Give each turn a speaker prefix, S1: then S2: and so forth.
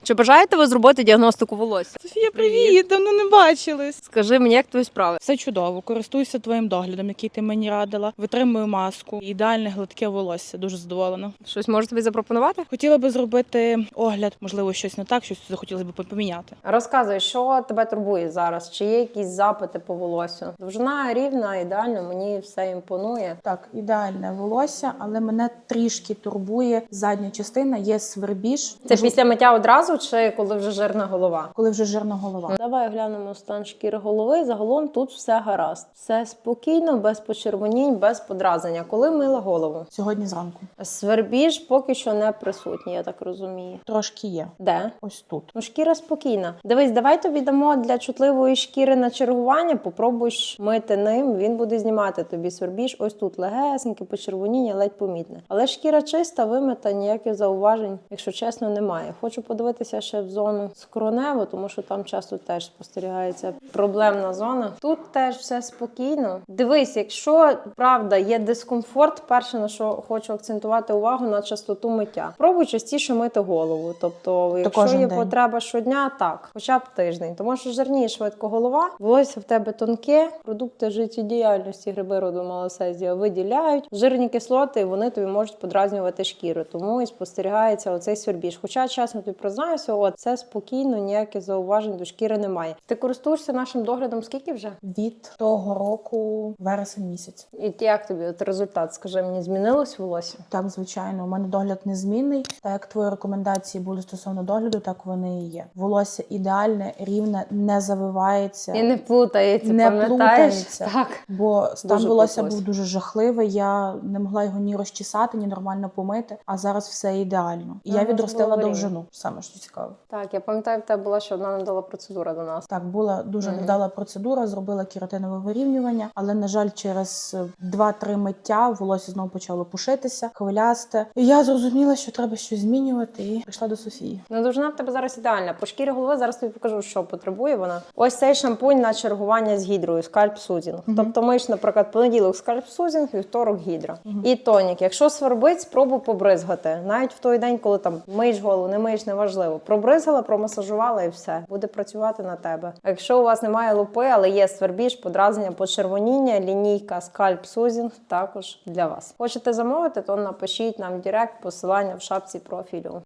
S1: Чи бажаєте ви зробити діагностику волосся?
S2: Софія, привіт! Давно не бачились.
S1: Скажи мені, як твої справи?
S2: Все чудово, користуюся твоїм доглядом, який ти мені радила. Витримую маску, ідеальне гладке волосся. Дуже задоволена.
S1: Щось можу тобі запропонувати?
S2: Хотіла би зробити огляд, можливо, щось не так, щось захотілося б поміняти.
S1: Розказуй, що тебе турбує зараз? Чи є якісь запити по волосю? Довжина рівна, ідеально, мені все імпонує.
S2: Так, ідеальне волосся, але мене трішки турбує задня частина, є свербіж.
S1: Це після миття одразу чи коли вже жирна голова?
S2: Коли вже жирна голова.
S1: Давай глянемо стан шкіри голови. Загалом тут все гаразд. Все спокійно, без почервонінь, без подразнення. Коли мила голову?
S2: Сьогодні зранку.
S1: Свербіж поки що не присутній, я так розумію.
S2: Трошки є.
S1: Де?
S2: Ось тут.
S1: Ну, шкіра спокійна. Дивись, давай тобі дамо для чутливої шкіри на чергування, попробуєш мити ним, він буде знімати тобі свербіж. Ось тут легесеньке почервоніння, ледь помітне. Але шкіра чиста, вимита, ніяких зауважень, якщо чесно, немає. Хочу подивитися ще в зону скроневу, тому що там часто теж спостерігається проблемна зона. Тут теж все спокійно. Дивись, якщо правда є дискомфорт, перше, на що хочу акцентувати увагу, на частоту миття. Пробуй частіше мити голову. Тобто, якщо є потреба щодня, так, хоча б тиждень. Тому що жирніє швидко голова, волосся в тебе тонке, продукти життєдіяльності, гриби роду малосезія виділяють жирні кислоти, і вони тобі можуть подразнювати шкіру. Тому і спостерігається оцей свербіж. Хоча, чесно тобі признаюся, от це спокійно, ніяких зауважень до шкіри немає. Ти користуєшся нашим доглядом скільки вже?
S2: Від того року вересень місяць.
S1: І як тобі от результат? Скажи мені, змінилось волосся?
S2: Так, звичайно, у мене догляд незмінний. Так як твої рекомендації були стосовно догляду, так вони і є. Волосся ідеальне, рівне, не завивається.
S1: І не плутається,
S2: не
S1: пам'ятаєш?
S2: плутається.
S1: Так.
S2: Бо стан
S1: Дуже
S2: волосся
S1: плуталось.
S2: був дуже жахливий, я не могла його ні розчесати, ні нормально помити, а зараз все ідеально. І я
S1: Ага,
S2: відростила
S1: було
S2: довжину, саме що цікаво.
S1: Так, я пам'ятаю, в тебе була ще одна невдала процедура до нас.
S2: Так, була дуже невдала процедура, зробила кератинове вирівнювання, але, на жаль, через 2-3 миття волосся знову почало пушитися, хвилясте. І я зрозуміла, що треба щось змінювати, і прийшла до Софії.
S1: Ну, довжина в тебе зараз ідеальна. По шкірі голови зараз тобі покажу, що потребує вона. Ось цей шампунь на чергування з гідрою, скальп сузінг. Тобто миєш, наприклад, понеділок скальп сузінг, вівторок гідра. І тонік. Якщо свербить, спробуй побризгати. Навіть в той день, коли там миєш голову, не миєш, неважливо. Пробризгала, промасажувала і все. Буде працювати на тебе. А якщо у вас немає лупи, але є свербіж, подразнення, почервоніння, лінійка скальп сузінг також для вас. Хочете замовити, то напишіть нам в директ, посилання в шапці профілю.